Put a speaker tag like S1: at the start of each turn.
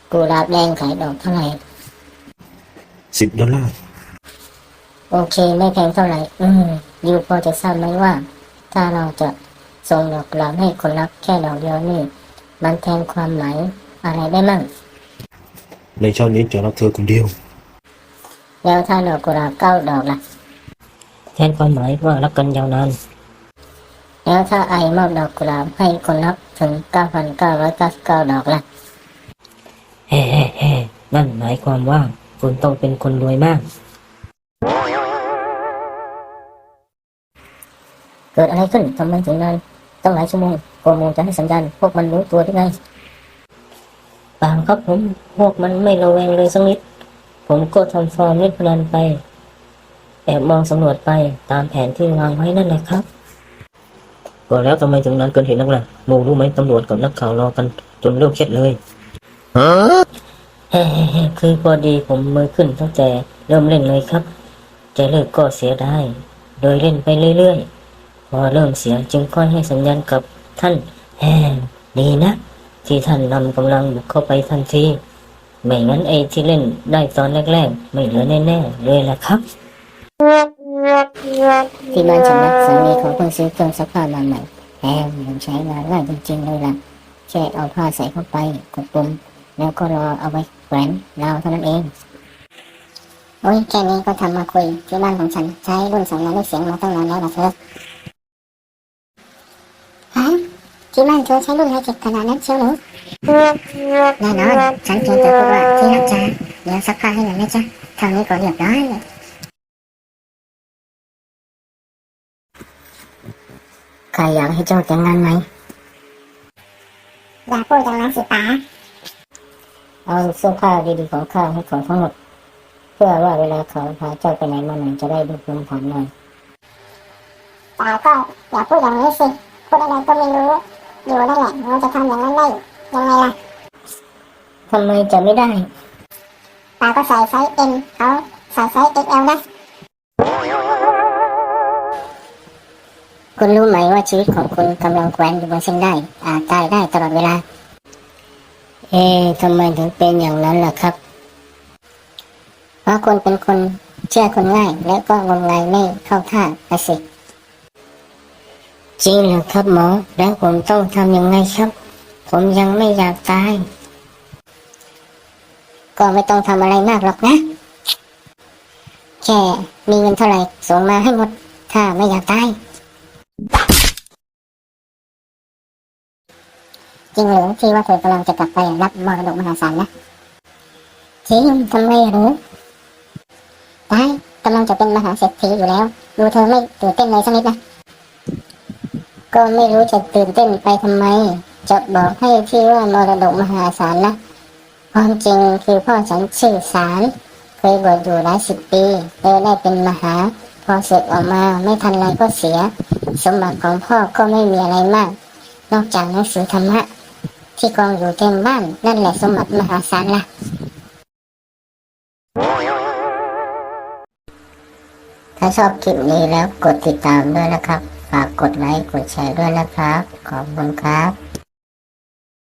S1: กุหลาบแดงขายดอกเท่าไหร่
S2: $10
S1: โอเคไม่แพงเท่าไหร่ยูพอจะทราบไหมว่าถ้าเราจะส่งดอกกุหลาบให้คนรักแค่ดอกเดียวนี่มันแทนความหมายอะไรได้มั่ง
S2: ในชาตินี้จะรักเธอคนเดียว
S1: แล้วถ้าดอกกุหลาบ9 ดอกล่ะ
S3: แทนความหมายว่ารักกันยาวนาน
S1: แล้วถ้าไอมอบดอกกุหลาบให้คนรักถึง9,999 ดอกล่ะ
S3: เฮ้นั่นหมายความว่าคุณต้องเป็นคนรวยมาก
S1: เกิดอะไรขึ้นทำไมถึงนานตั้งหลายชั่วโมงโมงจะให้สัญญาณพวกมันรู้ตัวได้ไง
S3: เปล่าครับผมพวกมันไม่ระแวงเลยสักนิดผมก็ทำฟอร์มเล่นพนันไปแอบมองสำรวจไปตามแผนที่วางไว้นั่นแหละครับก็แล้วทำไมถึงนานเกินเหตุนักล่ะโมรู้ไหมตำรวจกับนักข่าวรอกันจนเริ่มเครียดเลยเฮ้คือพอดีผมมือขึ้นตั้งแต่เริ่มเล่นเลยครับจะเลิกก็เสียได้โดยเล่นไปเรื่อยๆพอเริ่มเสียจึงค่อยให้สัญญาณกับท่านดีนะที่ท่านนำกำลังบุกเข้าไปทันทีไม่งั้นไอ้ที่เล่นได้ตอนแรกๆไม่เหลือแน่ๆเลยแหละครับ
S1: ที่บ้านฉันนะสามีเขาเพิ่งซื้อเครื่องซักผ้ามาใหม่มันใช้งานง่ายจริงๆเลยล่ะแค่เอาผ้าใส่เข้าไปกดปุ่มแล้วก็รอเอาไว้แขวนราวเท่านั้นเองโอ้ยแค่นี้ก็ทำมาคุยที่บ้านของฉันใช้รุ่นสัญญาณด้วยเสียงมาตั้งนานแล้วนะเธอฮะที่บ้านเธอใช้รุ่นไฮเทคขนาดนั้นเชียวหรือแน่นอนฉันเพียงแต่พูดว่าที่รักจ้าเดี๋ยวซักผ้าให้หน่อยนะจ๊ะเท่านี้ก็เรียบร้อยเลยใครอยากให้เจ้าแต่งงานไหมอย่าพูดอย่างนั้นสิป๋าเอาเสื้อผ้าดีๆของข้าให้เขาทั้งหมดเพื่อว่าเวลาเขาพาเจ้าไปไหนมาไหนจะได้ดูภูมิฐานหน่อยป๋าก็อย่าพูดอย่างนี้สิพูดอะไรก็ไม่รู้อยู่นั่นแหละเราจะทำอย่างนั้นได้ยังไงล่ะทำไมจะไม่ได้ป๋าก็ใส่ไซส์ M เขาใส่ไซส์ XL นะคุณรู้ไหมว่าชีวิตของคุณกำลังแขวนอยู่บนเส้นได้อาจตายได้ตลอดเวลาทำไมถึงเป็นอย่างนั้นล่ะครับเพราะคุณเป็นคนเชื่อคนง่ายและก็งมงายไม่เข้าท่าสิจริงเหรอครับหมอแล้วผมต้องทำยังไงครับผมยังไม่อยากตายก็ไม่ต้องทำอะไรมากหรอกนะแค่มีเงินเท่าไหร่ส่งมาให้หมดถ้าไม่อยากตายจริงหรือที่ว่าเธอกำลังจะกลับไปรับมรดกมหาศาลนะจริงทำไมหรือตายกำลังจะเป็นมหาเศรษฐีอยู่แล้วดูเธอไม่ตื่นเต้นเลยสักนิดนะก็ไม่รู้จะตื่นเต้นไปทำไมจะบอกให้ที่ว่ามรดกมหาศาลนะความจริงคือพ่อฉันชื่อสารเคยบวชอยู่หลาย10 ปีเลยได้เป็นมหาพอศึกออกมาไม่ทันไรก็เสียสมบัติของพ่อก็ไม่มีอะไรมากนอกจากหนังสือธรรมะที่กองอยู่เต็มบ้านนั่นแหละสมบัติมหาศาลล่ะถ้าชอบคลิปนี้แล้วกดติดตามด้วยนะครับฝากกดไลค์กดแชร์ด้วยนะครับขอบคุณครับ